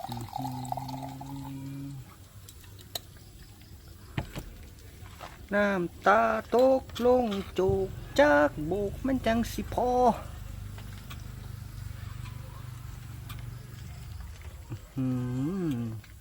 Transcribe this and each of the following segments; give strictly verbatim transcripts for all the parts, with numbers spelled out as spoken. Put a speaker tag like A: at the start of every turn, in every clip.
A: น้ำตาตกลงจูกจากโบกมันจังสิพออืม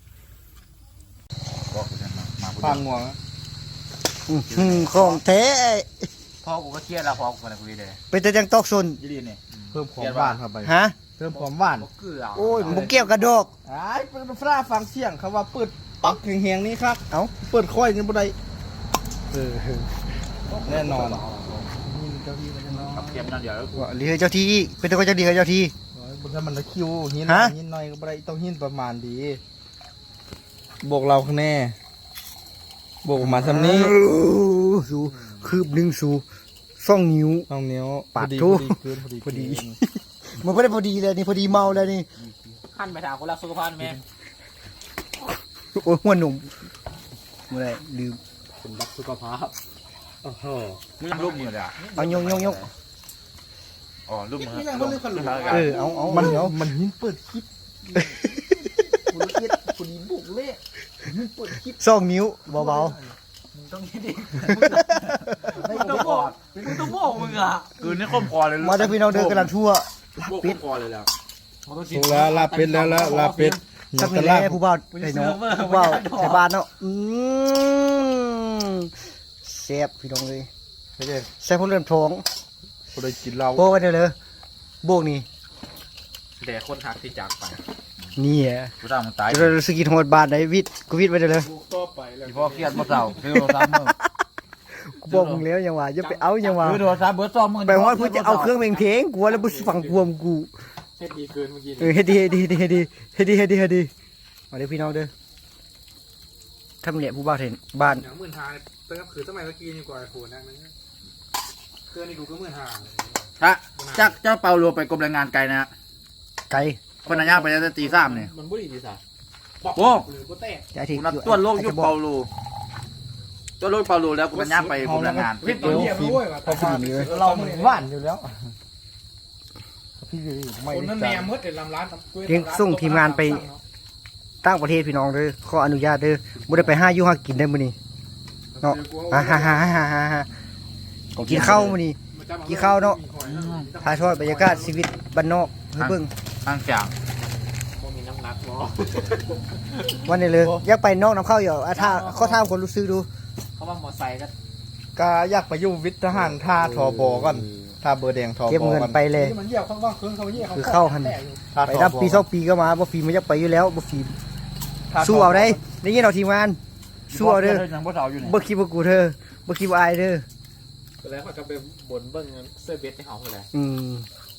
B: ฟังงัว
A: อืมของแท้
C: พ่อกูก็เครียดแล้วพ่อกูมาคุยเลย
A: เป็นแต่จังตอกซน
C: ยี่ดีเนี่ย
B: เพิ่มความหวานเข้าไป
A: ฮะ
B: เพิ่มความหวาน
C: เกลือ
A: โอ้ยบุกเกี่ยวกระดอก
B: ไอ้เป็นฟ้าฟังเสียงเขาว่าเปิดปักแหงๆนี่ครับ
A: เอ้า
B: เปิดค่อยนี่บ่ได้เออแน่นอน
C: กับเค็มนั่นเดี๋ยว
A: ว่าเรือเจ้าที่เป็นแต่ก็จะดีกับเจ้าที่
B: บนถ้ามันตะคิวหิน
A: ฮะ
B: หินหน่อยก็บ่ได้ต้องหินประมาณดีบวกเราข้างแน่บวกมาซำนี้
A: สูคืบหนึ่งสูซ่องนิ้ว
B: น้องนิ้ว
A: ปาด
B: พอดี
A: ทู่
B: พอดีเกินพอดี
A: พอดี
B: เกิน
A: มันไม่ได้พอดีเลยนี่พอดีเมาแล้วนี่
C: ขั้นไปถามคนรักสุขภาพไหม
A: โอ้ยหัวหนุ่มเมื่อไรลืม
C: คนรักสุขภาพโอ้โหมึงรูปมือเลยอ่ะ
A: เอายงยงยง
C: อ๋อรูปมือ
A: เออเอาเอา
B: มัน
A: เดี๋ยว
B: มันหินเปิดคลิปคุณเกียรคุณดีบุกเละหินเปิดคลิป
A: ซ่องนิ้วเบา
C: มึงต้องคิดดิมึงต้องบอกมึงต้องบอกมึงอ่ะคือนี่ข้มคอเลย
A: ๆมาแต่พี่น้องเดินกำลังทั่ว
C: ปิดคอเลยแล้ว
B: ถูกแล้วลาเป็ดแล้วละลาเป็ด
A: สักนิดแหละผู้บ่าวไอ้น้องผู้บ่าวไทยบ้านเนาะอืมแซ่บพี่น้องเลย
B: ไม่ใช่
A: แซ่บพวกเริ่มท้อง
B: พอได้กินเหล้า
A: โบกันเดี๋ยวเลยโบกนี่
C: แต่คนทักที่จากไป
A: นี่อ่ะ
C: กูตามมึงตาย
A: จะเราสกินโหดบาทไหนวิทย์กูวิทย์ไปเดี๋ยวเลย
C: ที่พ่อเครียดมาเศร้าคือโทรศัพท์มึง
A: กูบอกมึงแล้วยังว่าจะไปเอายังว่า
C: คือโทรศัพท์เบอร์ซ้อมมึง
A: ไปว่าเพื่อจะเอาเครื่องเพลงเพลงกูว่าแล้วมึงฟังกวมกู
C: เฮ็ดดีเกินเมื่อกี้
A: เออเฮ็ดดีเฮ็ดดีเฮ็ดดีเฮ็ดดีเฮ็ดดีเฮ็ดดีมาเด้อพี่น้องเด้อทำเนี่ยผู้บ่าวเห็นบ้าน
D: อย่างหมื่นหาตั้งแต่คือสมัยเมื่อกี้นี่กว่าไอ้โหนั่นนั่นเกินนี่กูก็หมื่นหา
C: ฮะจ้าเจ้าเปาโลไปกรมแรงงานไกลนะ
A: ไก่
C: คนนั้นยากไปตั้งแต่ตีสามเนี่ย
D: มันบุหรี่ดีสัส
C: โอ้
D: หรือกูแตก
A: จะที่
C: กูนัดตัวโลกยุคเปาโลตัวโลกเปาโลแล้วกูมันยากไปกรมแรงงาน
D: เฮ้ยตอนเยี่ยมด้วยว่ะ
B: พอมาเรามันหวานอยู่แล้วพี่ไม่
D: คนนั้น
B: ได้
D: แม่มดเด็ดลำร้าน
A: เลี้ยงส่งทีมงานไปตั้งประเทศพี่น้องเด้อขออนุญาตเด้อบ่ได้ไปห้าอยู่ห้ากินได้มื้อนี้เนาะฮ่าฮ่าฮ่าฮ่าฮ่าฮ่ากินข้าวมื้อนี้กินข้าวเนาะถ่ายทอดบรรยากาศชีวิตบ้านนอกให้เบิ่ง
C: ข้างจาง
D: มีน้ำหนักบ่
A: วันนี้เลยอยากไปนอกน้ำเข้าอยู่อ่ะถ้าเขาถามคนรู้สึกดู
C: เขาว่ามอไซค์ก็
B: ก็อยากไปอยู่วิทย์ทหารท่าทอบอก่อนท่าเบอร์แดงทอบ
A: เก็บ
B: อ
A: เงิน
B: ก่อน
A: ไปเลย
D: มันเยี่ยวข้างว่างเครื่องเขาเยี่ยว
A: คือเข้าหัน
B: ท่า
A: ไป
B: ทอ
A: นับ
B: บอ
A: ปีสองปีก็มาบ่ฟีมันอยากไปอยู่แล้วบ่ฟี
B: ท่ทบ
A: สู้เอาได้ได้ยินเอาทีมงานสู้เอาเด้อ
C: ยังบ่เสาอยู่เนี่ย
A: บ่คิดว่ากูเธอบ่คิดว่าอายเด้อ
D: แล้วเขาก็ไปบ่นเบิ้งเสื้อเบสในห้องเลย
A: อืม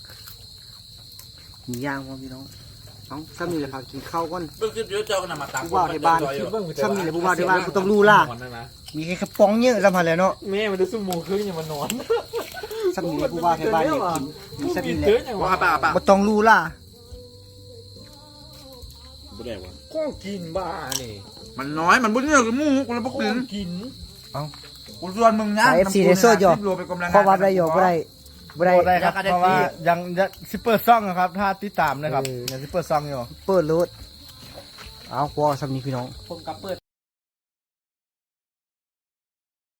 A: มีย่างบ่พี่น้องเอ้าซ้ำนี่แหละพากินข้าวก่อน
C: เบิ่งคลิปเยอะเจ้าก็นำมาตัก
A: ผู้บ่าวในบ้านซ้ำนี่แหละผู้บ่าวในบ้านกูต้องรู้ล่ะมีแค่กระป๋องเยอะซ้ำหั่นแหล้วเนาะ
D: แม่มันจะสู้โมงครึ่งยังมานอน
A: ซ้ำนี่แหละผู้บ่าวในบ้านเนี่ยกินมีซ้ำนี่แหละ
C: ว่าป่าป่า
A: บ่ต้องรู้ล่ะ
C: บ่ได้วะ
D: ก็กินบ้านี่
C: มันน้อยมันบ่เนี่ยกับหมูกูเลยบ่กิน
D: กิน
C: กูชวนมึงนะ
A: สาย เอฟ ซี ในโซดอยู่
C: รวมไปกรมแรงงาน
A: เพราะว่าบ่ได้อยู่บ่ได้บ่ได้
B: บ่ได้ครับ
C: แล้วก็ได้
B: เพราะว่า
C: ฟรี
B: ยังยังซิปเปอร์ซ่องนะครับถ้าติดตามนะครับ
A: เออ
B: ยังซิปเปอร์ซ่องอยู่
A: เปิดรถเอาพอซ้ำนี่พี่น้อง
D: ผมกับเปิด